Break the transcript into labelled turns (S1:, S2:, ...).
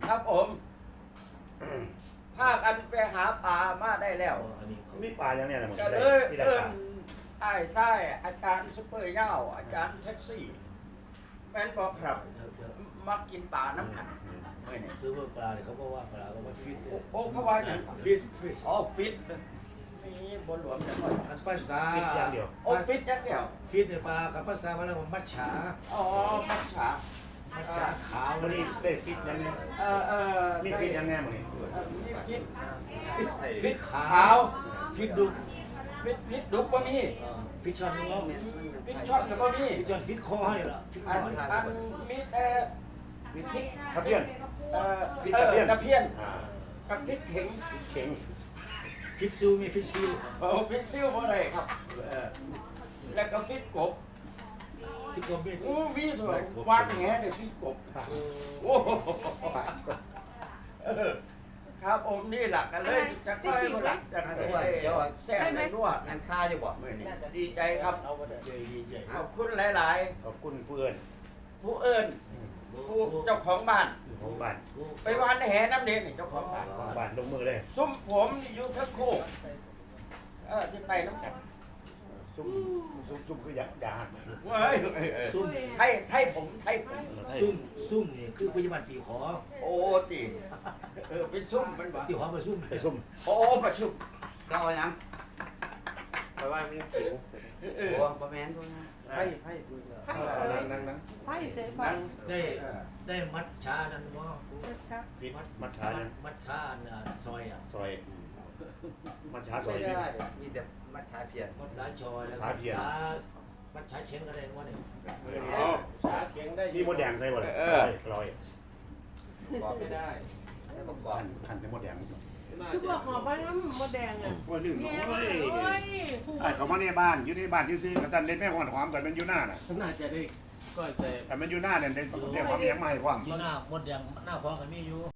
S1: ครับผมพากันไปหาปลามาได้แล้ว
S2: อันนี้
S3: มีปลาอย่างเนี้ยนะมึง
S1: ก็
S3: ได้
S1: เลย
S3: ที่ได้
S1: เอิ้
S3: ป
S1: น
S3: ลา
S1: ไอ้ไส้อาจารย์ซุปเปอร์เง่าอาจารย์แท็กซี่แม่นบอกครับมากินปลาน้ำกันเมื่อนี่
S2: ซื้อปลาเนี่ยเขาบอกว่าปลาเขาว่าฟิต
S1: โอ้เขาว่าอย่าง
S2: ฟิต
S1: อ๋อฟิตนี่บนหลวงจะค่อย
S2: อันภาษา
S3: คิดอย่างเดียว
S1: โอ้ฟิตอย่างเดียว
S2: ฟิตเนี่ยปลากับภาษามาแล้วมันมัดฉา
S1: อ๋อมัจฉา
S2: มัดฉาขาว
S3: วันนี้ได้ฟิตยังไง
S1: มี
S3: มีฟิตยังไงมึงนี่
S1: มีฟิต
S2: ฟิตขา
S1: ขาว
S2: ฟิตดุก
S1: ฟิตดุกบ่มี
S2: ฟิตช็อตนี่ว่า
S1: ฟิตช็อตก็บ่มี
S2: ฟิตช็อตฟิตคอนี่แหละฟิตค
S1: อั
S2: อน นี่
S1: อันมีแต่
S3: ทับเพี้ยน ฟิตตะเพียน
S1: ตะเพียน
S3: อ่า
S1: กับพริกเข็ง
S3: เข่ง
S2: ฟิตซิลมีฟิตซิล
S1: โอ้พริกซิ่วบ่ได้ครับแล้วก็พริกกบ
S2: ฟิตกลมฟิต
S1: อู้วีด้วยวางแหได้พริกกบโอ้โหครับผมนี่หลักกันเลยจะค่อยมาหลักจะแซ่บในนวด
S4: งานค่าจะบอก
S1: มื้อนี้ดีใจครับ
S2: เอาไปได้ใหญ่
S1: ขอบคุณหลาย
S3: ขอบคุณเพื่อน
S1: ๆ ผู้เอิ้นผู้เจ้าของบ้าน
S3: ของบ้าน
S1: ไปวานแหน้ำเด็ดนี่เจ้าของบ้าน
S3: ของบ้านลงมือเลย
S1: ซุ้มผมนี่อยู่ทั้งโคกที่ไปน้ำกัน
S3: ซุ่มคืออยากหัก
S1: เว้ย
S2: ซุ่ม
S1: ไทยผม
S2: ซุ่มนี่คือพยาบาลตีขอ
S1: โอ้ตีเป็นซุ้มมันบ่
S2: ตีขอมาซุ่ม
S3: ไปซุ่ม
S1: โอ้ประชุม
S4: ก็เอายัง
S5: เพราะว่ามันขิว
S4: โอ้บะแมนด้วยนะ
S5: ไพ่ไพ่
S3: นั่ง
S6: ไฟเสยไฟ
S2: ได้มัดชานั่นว่า
S3: ฟิตมัดขายัง
S2: มัดชาซอยอ่ะ
S3: ซอยมัดขาซอย
S5: ไม่
S3: นี่
S5: ได้
S4: มีแต่มัดชาเพียน
S2: มัดสาชอยแล้วมัดชาเชงก็ได้ว่าเนี่ย
S5: ชาเข็งได้
S3: มีมดแดงใส่บ่เลยลอย
S5: บอกไม่ได้
S4: แล้วประกอบ
S3: หั่นแต่มดแดง
S6: คือบอกหอไปน้ำมดแดงอ่ะ
S3: ว่านึ่ง
S6: แม่
S3: โอ้ย
S6: โอ้ยผู้
S3: ไอ้เขามาในบ้านอยู่ในบ้านซื้อๆกับตันเล่นแม่ความความกันมันอยู่หน้าน่ะ
S5: น่าจะได้ก็แต่
S3: แต่มันอยู่หน้าเนี่ยได้ความยังไม่ความ
S2: ที่หน้าหมดอย่างหน้าฟองก็มีอยู่